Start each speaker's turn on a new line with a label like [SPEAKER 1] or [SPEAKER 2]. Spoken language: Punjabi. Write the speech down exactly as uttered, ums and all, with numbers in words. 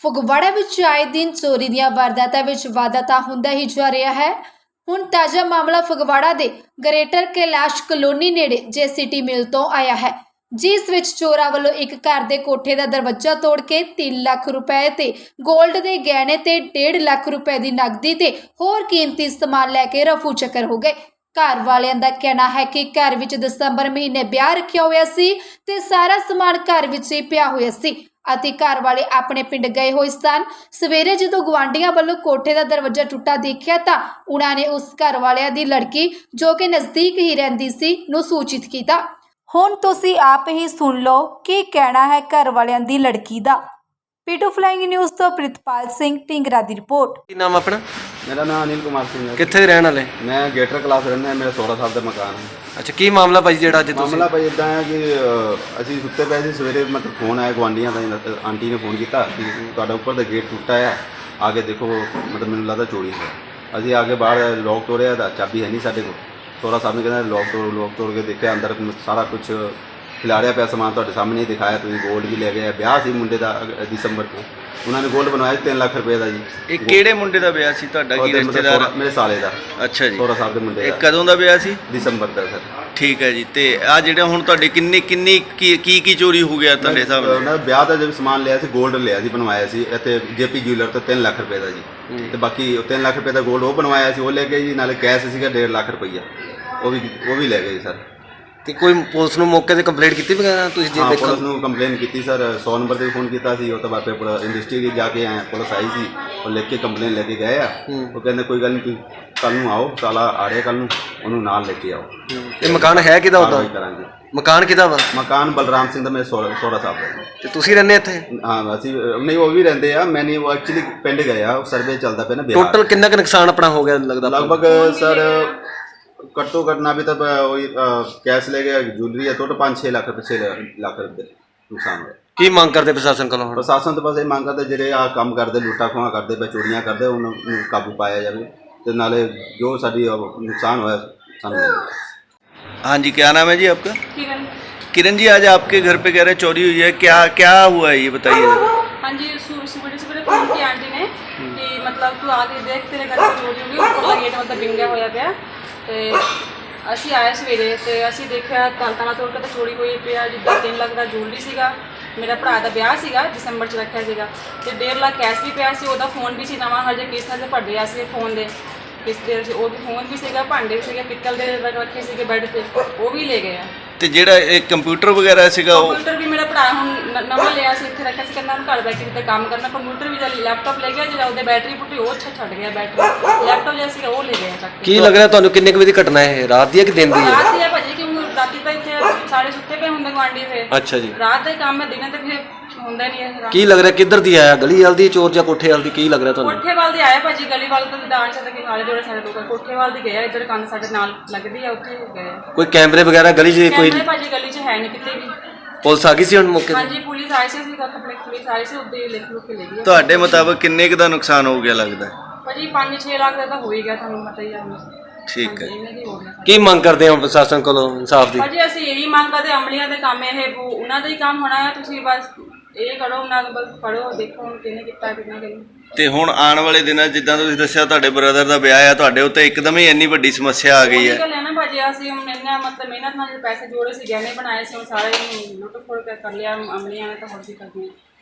[SPEAKER 1] ਫਗਵਾੜਾ ਵਿੱਚ ਆਏ ਦਿਨ ਚੋਰੀ ਦੀਆਂ ਵਾਰਦਾਤਾਂ ਵਿੱਚ ਵਾਧਾ ਤਾਂ ਹੁੰਦਾ ਹੀ ਜਾ ਰਿਹਾ ਹੈ। ਹੁਣ ਤਾਜ਼ਾ ਮਾਮਲਾ ਫਗਵਾੜਾ ਦੇ ਗ੍ਰੇਟਰ ਕੈਲਾਸ਼ ਕਲੋਨੀ ਨੇੜੇ ਜੇਸੀਟੀ ਮਿਲ ਤੋਂ ਆਇਆ ਹੈ, ਜਿਸ ਵਿੱਚ ਚੋਰਾਂ ਵੱਲੋਂ ਇੱਕ ਘਰ ਦੇ ਕੋਠੇ ਦਾ ਦਰਵਾਜ਼ਾ ਤੋੜ ਕੇ ਤਿੰਨ ਲੱਖ ਰੁਪਏ ਤੇ 골ਡ ਦੇ ਗਹਿਣੇ ਤੇ ਡੇਢ ਲੱਖ ਰੁਪਏ ਦੀ ਨਕਦੀ ਤੇ ਹੋਰ ਕੀਮਤੀ ਸਮਾਨ ਲੈ ਕੇ ਰਫੂ ਚੱਕਰ ਹੋ ਗਏ। ਘਰ ਵਾਲਿਆਂ ਦਾ ਕਹਿਣਾ ਹੈ ਕਿ ਘਰ ਵਿੱਚ ਦਸੰਬਰ ਮਹੀਨੇ ਵਿਆਹ ਰੱਖਿਆ ਹੋਇਆ ਸੀ ਤੇ ਸਾਰਾ ਸਮਾਨ ਘਰ ਵਿੱਚ ਹੀ ਪਿਆ ਹੋਇਆ ਸੀ ਅਤੇ ਘਰ ਵਾਲੇ ਆਪਣੇ ਪਿੰਡ ਗਏ ਹੋਏ ਸਨ। ਸਵੇਰੇ ਜਦੋਂ ਗੁਆਂਢੀਆਂ ਵੱਲੋਂ ਕੋਠੇ ਦਾ ਦਰਵਾਜ਼ਾ ਟੁੱਟਾ ਦੇਖਿਆ ਤਾਂ ਉਹਨਾਂ ਨੇ ਉਸ ਘਰ ਵਾਲਿਆਂ ਦੀ ਲੜਕੀ, ਜੋ ਕਿ ਨਜ਼ਦੀਕ ਹੀ ਰਹਿੰਦੀ ਸੀ, ਨੂੰ ਸੂਚਿਤ ਕੀਤਾ। ਹੁਣ ਤੁਸੀਂ ਆਪ ਹੀ ਸੁਣ ਲਓ ਕੀ ਕਹਿਣਾ ਹੈ ਘਰ ਵਾਲਿਆਂ ਦੀ ਲੜਕੀ ਦਾ। ਪੀਟੂ ਫਲਾइंग न्यूज़ ਤੋਂ ਪ੍ਰਿਤਪਾਲ ਸਿੰਘ ਢਿੰਗਰਾ ਦੀ ਰਿਪੋर्ट।
[SPEAKER 2] ਕੀ ਨਾਮ ਆਪਣਾ?
[SPEAKER 3] मेरा नाम अनिल कुमार सिंह है।
[SPEAKER 2] ਕਿੱਥੇ ਦੇ ਰਹਿਣ ਵਾਲੇ?
[SPEAKER 3] मैं गेटर क्लास रहना है, मेरा सोलह साल का मकान है।
[SPEAKER 2] ਅੱਛਾ, ਕੀ ਮਾਮਲਾ ਭਾਈ ਜਿਹੜਾ ਅੱਜ ਤੁਸੀਂ?
[SPEAKER 3] मामला भाई इदा है कि ਅਸੀਂ ਸੁੱਤੇ ਪਏ ਸੀ, ਸਵੇਰੇ मतलब फोन आया ਗੁਆਂਢੀਆਂ ਦਾ, ਆਂਟੀ ਨੇ ਫੋਨ ਕੀਤਾ ਕਿ ਤੁਹਾਡਾ ਉੱਪਰ ਦਾ ਗੇਟ ਟੁੱਟਾ ਹੈ, ਆ ਕੇ ਦੇਖੋ। ਮਤਲਬ ਮੈਨੂੰ ਲੱਗਦਾ ਚੋਰੀ ਹੈ। ਅਸੀਂ ਆ ਕੇ ਬਾਹਰ ਲੋਕ ਤੋੜਿਆ ਤਾਂ ਚਾਬੀ ਹੈ ਨਹੀਂ ਸਾਡੇ ਕੋਲ। ਸੋਹਰਾ ਸਾਹਿਬ ਨੇ ਕਹਿੰਦਾ ਲੋਕ ਤੋੜ ਲੋਕ ਤੋੜ ਕੇ ਦੇਖਿਆ, ਅੰਦਰ ਸਾਰਾ ਕੁਝ ਖਿਲਾਰਿਆ ਪਿਆ ਸਮਾਨ ਤੁਹਾਡੇ ਸਾਹਮਣੇ ਹੀ ਦਿਖਾਇਆ ਤੁਸੀਂ। ਗੋਲਡ ਵੀ ਲੈ ਗਏ। ਵਿਆਹ ਸੀ ਮੁੰਡੇ ਦਾ ਦਸੰਬਰ ਤੋਂ, ਉਹਨਾਂ ਨੇ ਗੋਲਡ ਬਣਵਾਇਆ ਤਿੰਨ ਲੱਖ ਰੁਪਏ ਦਾ ਜੀ।
[SPEAKER 2] ਇਹ ਕਿਹੜੇ ਮੁੰਡੇ ਦਾ ਵਿਆਹ ਸੀ ਤੁਹਾਡਾ? ਕੀ ਰਿਸ਼ਤੇਦਾਰ?
[SPEAKER 3] ਮੇਰੇ ਸਾਲੇ ਦਾ।
[SPEAKER 2] ਅੱਛਾ ਜੀ,
[SPEAKER 3] ਸੋਹਰਾ ਸਾਹਿਬ ਦੇ ਮੁੰਡੇ
[SPEAKER 2] ਇਹ
[SPEAKER 3] ਦਾ।
[SPEAKER 2] ਕਦੋਂ ਦਾ ਵਿਆਹ ਸੀ?
[SPEAKER 3] ਦਸੰਬਰ ਦਾ ਸਰ।
[SPEAKER 2] ਠੀਕ ਹੈ ਜੀ। ਤੇ ਆ ਜਿਹੜਾ ਹੁਣ ਤੁਹਾਡੇ ਕਿੰਨੀ ਕਿੰਨੀ ਕੀ ਕੀ ਕੀ ਚੋਰੀ ਹੋ ਗਿਆ ਤੁਹਾਡੇ ਹਿਸਾਬ ਨਾਲ?
[SPEAKER 3] ਉਹਨਾਂ ਵਿਆਹ ਦਾ ਜਦ ਸਮਾਨ ਲਿਆ ਸੀ, ਗੋਲਡ ਲਿਆ ਸੀ, ਬਣਵਾਇਆ ਸੀ ਇੱਥੇ ਜੇਪੀ ਜਿਊਲਰ ਤੋਂ ਤਿੰਨ ਲੱਖ ਰੁਪਏ ਦਾ ਜੀ। ਤੇ ਬਾਕੀ ਤਿੰਨ ਲੱਖ ਰੁਪਏ ਦਾ ਗੋਲਡ ਉਹ ਬਣਵਾਇਆ ਸੀ, ਉਹ ਲੈ ਗਏ ਜੀ। ਨਾਲੇ ਕੈਸ਼ ਸੀਗਾ ਡੇਢ ਲੱਖ ਰੁਪਈਆ, ਉਹ ਵੀ ਉਹ ਵੀ ਲੈ ਗਏ ਸਰ।
[SPEAKER 2] ਤੇ ਕੋਈ ਪੁਲਿਸ ਨੂੰ ਮੌਕੇ ਤੇ ਕੰਪਲੇਂਟ ਕੀਤੀ ਵਗੈਰਾ ਤੁਸੀਂ? ਜੇ
[SPEAKER 3] ਹਾਂ,
[SPEAKER 2] ਦੇਖੋ
[SPEAKER 3] ਪੁਲਿਸ ਨੂੰ ਕੰਪਲੇਨ ਕੀਤੀ ਸਰ। ਸੌ ਨੰਬਰ ਤੇ ਫੋਨ ਕੀਤਾ ਸੀ। ਉਹ ਤੋਂ ਬਾਅਦ ਫਿਰ ਇੰਡਸਟਰੀ ਜਾ ਕੇ ਆਏ, ਪੁਲਿਸ ਆਈ ਸੀ, ਉਹ ਲਿਖ ਕੇ ਕੰਪਲੇਨ ਲੈ ਕੇ ਗਏ ਆ। ਉਹ ਕਹਿੰਦੇ ਕੋਈ ਗੱਲ ਨਹੀਂ, ਤੁਸੀਂ ਕੱਲ ਨੂੰ ਆਓ, ਸਾਲਾ ਆ ਰਿਹਾ ਕੱਲ ਨੂੰ, ਉਹਨੂੰ ਨਾਲ ਲੈ ਕੇ ਆਓ।
[SPEAKER 2] ਇਹ ਮਕਾਨ ਹੈ ਕਿਹਦਾ ਹੁੰਦਾ?
[SPEAKER 3] ਕਰਾਂਗੇ।
[SPEAKER 2] ਮਕਾਨ ਕਿਹਦਾ ਵਾ?
[SPEAKER 3] ਮਕਾਨ ਬਲਰਾਮ ਸਿੰਘ ਦਾ, ਮੇਰੇ ਸੋਹਰਾ ਸੋਹਰਾ ਸਾਹਿਬ ਦਾ।
[SPEAKER 2] ਤੇ ਤੁਸੀਂ ਰਹਿੰਦੇ ਇੱਥੇ?
[SPEAKER 3] ਹਾਂ, ਅਸੀਂ ਨਹੀਂ, ਉਹ ਵੀ ਰਹਿੰਦੇ ਆ। ਮੈਂ ਨਹੀਂ, ਉਹ ਐਕਚੁਅਲੀ ਪਿੰਡ ਗਏ ਆ, ਉਹ ਸਰਵੇ ਚੱਲਦਾ ਪਿਆ ਨਾ ਬਿਹਾਰ।
[SPEAKER 2] ਟੋਟਲ ਕਿੰਨਾ ਕੁ ਨੁਕਸਾਨ ਆਪਣਾ ਹੋ ਗਿਆ ਲੱਗਦਾ?
[SPEAKER 3] ਲਗਭਗ ਸਰ ਘੱਟੋ ਘੱਟ ਨਾ ਵੀ ਤਾਂ वही कैश ले गया, ज्वेलरी है, टोटल पाँच छः लाख रुपये छः लाख रुपये नुकसान होया।
[SPEAKER 2] ਕੀ ਮੰਗ ਕਰਦੇ ਪ੍ਰਸ਼ਾਸਨ ਕੋਲੋਂ?
[SPEAKER 3] ਪ੍ਰਸ਼ਾਸਨ ਤੋਂ ਬਸ ਇਹ ਮੰਗ ਕਰਦੇ, ਜਿਹੜੇ ਆ ਕੰਮ ਕਰਦੇ, ਲੁੱਟਾ ਖੋਹਾਂ ਕਰਦੇ ਪਏ, ਚੋਰੀਆਂ ਕਰਦੇ, ਉਹਨਾਂ ਨੂੰ ਕਾਬੂ ਪਾਇਆ ਜਾਵੇ ਤੇ ਨਾਲੇ ਜੋ ਸਾਡੀ नुकसान होया ਸਾਨੂੰ।
[SPEAKER 2] हाँ जी, क्या नाम है जी आपका?
[SPEAKER 4] किरण।
[SPEAKER 2] किरण जी, आज आपके घर पे कह रहे चोरी हुई है, क्या क्या हुआ है ये बताइए जरा।
[SPEAKER 4] हाँ जी, सुबह सुबह फोन की आंटी ने कि मतलब तू आके देख तेरे घर में चोरी होगी, ऊपर गेट मतलब बिंगा होया पिया। ਤੇ ਅਸੀਂ ਆਏ ਸਵੇਰੇ ਤੇ ਅਸੀਂ ਦੇਖਿਆ ਤਾਲਾ ਤੋੜ ਕੇ ਤਾਂ ਚੋਰੀ ਹੋਈ ਪਿਆ। ਜਿੱਦਾਂ ਤਿੰਨ ਲੱਖ ਦਾ ਜੂਲਰੀ ਸੀਗਾ, ਮੇਰਾ ਭਰਾ ਦਾ ਵਿਆਹ ਸੀਗਾ, ਦਸੰਬਰ 'ਚ ਰੱਖਿਆ ਸੀਗਾ, ਤੇ ਡੇਢ ਲੱਖ ਕੈਸ਼ ਵੀ ਪਿਆ ਸੀ। ਉਹਦਾ ਫੋਨ ਵੀ ਸੀ ਨਵਾਂ, ਹਜੇ ਕਿਸ਼ਤਾਂ 'ਤੇ ਭਰਦੇ ਆ ਸੀ ਫੋਨ ਦੇ ਕਿਸ਼ਤ ਦੇ, ਉਹ ਵੀ ਫੋਨ ਵੀ ਸੀਗਾ, ਭਾਂਡੇ ਵੀ ਸੀਗੇ ਪਿੱਤਲ ਦੇ ਰੱਖੇ ਸੀਗੇ ਬੈੱਡ 'ਤੇ, ਉਹ ਵੀ ਲੈ ਗਏ ਆ। ਤੇ
[SPEAKER 2] ਜਿਹੜਾ ਇਹ ਕੰਪਿਊਟਰ ਵਗੈਰਾ ਸੀਗਾ, ਉਹ
[SPEAKER 4] ਕੰਪਿਊਟਰ ਵੀ ਮੇਰਾ ਭਰਾ ਹੁਣ ਨਵਾਂ ਲਿਆ ਸੀ, ਇੱਥੇ ਰੱਖਿਆ ਸੀ, ਕਹਿੰਦਾ ਘਰ ਬੈਠੇ ਕਿਤੇ ਕੰਮ ਕਰਨਾ। ਕੰਪਿਊਟਰ ਵੀ ਜਦ ਲੈਪਟਾਪ ਲੈ ਗਿਆ, ਜਿਹੜਾ ਉਹਦੇ ਬੈਟਰੀ ਫੁੱਟੀ, ਉਹ ਅੱਛਾ ਛੱਡ ਗਿਆ ਬੈਟਰੀ। ਲੈਪਟਾਪ ਲਿਆ ਸੀਗਾ, ਉਹ ਲੈ ਗਿਆ ਚੱਕ ਕੇ।
[SPEAKER 2] ਕੀ ਲੱਗ ਰਿਹਾ ਤੁਹਾਨੂੰ ਕਿੰਨੇ ਕੁ ਵਜੇ ਦੀ ਘਟਨਾ ਹੈ? ਰਾਤ ਦੀ ਹੈ ਕਿ ਦਿਨ ਦੀ ਹੈ?
[SPEAKER 4] ਰਾਤ ਦੀ ਹੈ ਭਾਜੀ, ਕਿ ਰਾਤੀ ਤਾਂ ਇੱਥੇ ਸਾਰੇ ਸੁੱਤੇ ਪਏ ਹੁੰਦੇ ਗੁਆਂਢੀ। ਫਿਰ
[SPEAKER 2] ਅੱਛਾ ਜੀ,
[SPEAKER 4] ਰਾਤ ਦਾ ਹੀ ਕੰਮ ਹੈ, ਦਿਨੇ ਤੇ ਫਿਰ ਹੁੰਦਾ ਨਹੀਂ ਹੈ।
[SPEAKER 2] ਕੀ ਲੱਗ ਰਿਹਾ ਕਿੱਧਰ ਦੀ ਆਇਆ? ਗਲੀ ਵਾਲ ਦੀ ਚੋਰ ਜਾਂ ਕੋਠੇ ਵਾਲ ਦੀ? ਕੀ ਲੱਗ ਰਿਹਾ ਤੁਹਾਨੂੰ?
[SPEAKER 4] ਕੋਠੇ ਵਾਲ ਦੀ ਆਇਆ ਭਾਜੀ, ਗਲੀ ਵਾਲ ਤੋਂ ਦਾਣ ਚ ਕਿ ਨਾਲੇ ਜੋੜੇ ਸਾਡੇ ਲੋਕ ਕੋਠੇ ਵਾਲ ਦੀ ਗਏ, ਇੱਧਰ ਕੰਨ ਸਾਡੇ ਨਾਲ ਲੱਗਦੀ ਆ, ਉੱਥੇ ਗਏ।
[SPEAKER 2] ਕੋਈ ਕੈਮਰੇ ਵਗੈਰਾ ਗਲੀ 'ਚ? ਕੋਈ
[SPEAKER 4] ਕੈਮਰੇ ਭਾਜੀ ਗਲੀ 'ਚ ਹੈ ਨਹੀਂ ਕਿਤੇ ਵੀ।
[SPEAKER 2] ਪੁਲਿਸ ਆ ਗਈ ਸੀ ਹੁਣ ਮੌਕੇ ਤੇ?
[SPEAKER 4] ਹਾਂਜੀ, ਪੁਲਿਸ ਆਈ ਸੀ, ਅਸੀਂ ਕੱਪੜੇ ਪੁਲਿਸ ਆਈ ਸੀ, ਉੱਦੇ ਲਿਖ ਲੁੱਕ ਕੇ ਲੈ ਗਈ।
[SPEAKER 2] ਤੁਹਾਡੇ ਮੁਤਾਬਕ ਕਿੰਨੇ ਕੁ ਦਾ ਨੁਕਸਾਨ ਹੋ ਗਿਆ ਲੱਗਦਾ?
[SPEAKER 4] ਭਾਜੀ ਪੰਜ ਛੇ ਲੱਖ ਦਾ ਤਾਂ ਹੋ ਹੀ ਗਿਆ, ਤੁਹਾਨੂੰ ਪਤਾ ਹੀ ਆ।
[SPEAKER 2] ਠੀਕ ਹੈ,
[SPEAKER 4] ਇਹਨਾਂ ਦੀ ਹੋ ਗਿਆ।
[SPEAKER 2] ਕੀ ਮੰਗ ਕਰਦੇ ਹੋ ਪ੍ਰਸ਼ਾਸਨ ਕੋਲੋਂ ਇਨਸਾਫ ਦੀ?
[SPEAKER 4] ਭਾਜੀ ਅਸੀਂ ਇਹੀ ਮੰਗ ਕਰਦੇ, ਅਮਲੀਆਂ ਦੇ ਕੰਮ ਇਹ ਉਹਨਾਂ ਦਾ ਹੀ ਕੰਮ ਹੋਣਾ ਹੈ। ਤੁਸੀਂ ਬਸ ਇਹ ਕਰੋ, ਉਹਨਾਂ ਨੂੰ ਬਸ ਫੜੋ, ਦੇਖੋ ਹੁਣ ਕਿਹਨੇ ਕੀਤਾ ਕਿਹਨੇ ਨਹੀਂ।
[SPEAKER 2] ਤੇ ਹੁਣ ਆਉਣ ਵਾਲੇ ਦਿਨਾਂ ਜਿੱਦਾਂ ਤੁਸੀਂ ਦੱਸਿਆ ਤੁਹਾਡੇ ਬ੍ਰਦਰ ਦਾ ਵਿਆਹ ਆ, ਤੁਹਾਡੇ ਉੱਤੇ ਇੱਕਦਮ ਹੀ ਇੰਨੀ ਵੱਡੀ ਸਮੱਸਿਆ ਆ ਗਈ ਹੈ।
[SPEAKER 4] ਗੱਲ ਹੈ ਨਾ ਭਾਜੀ, ਅਸੀਂ ਹੁਣ ਇੰਨਾ ਮਤਲਬ ਮਿਹਨਤ ਨਾਲ ਪੈਸੇ ਜੋੜੇ ਸੀ, ਗਹਿਣੇ ਬਣਾਏ ਸੀ, ਹੁਣ ਸਾਰੇ ਲੁੱਟ ਖੋੜ ਕਰ ਲਿਆ ਅਮਲੀਆਂ ਨੇ, ਤਾਂ ਹੋਰ ਵੀ ਕਰਦੀਆਂ।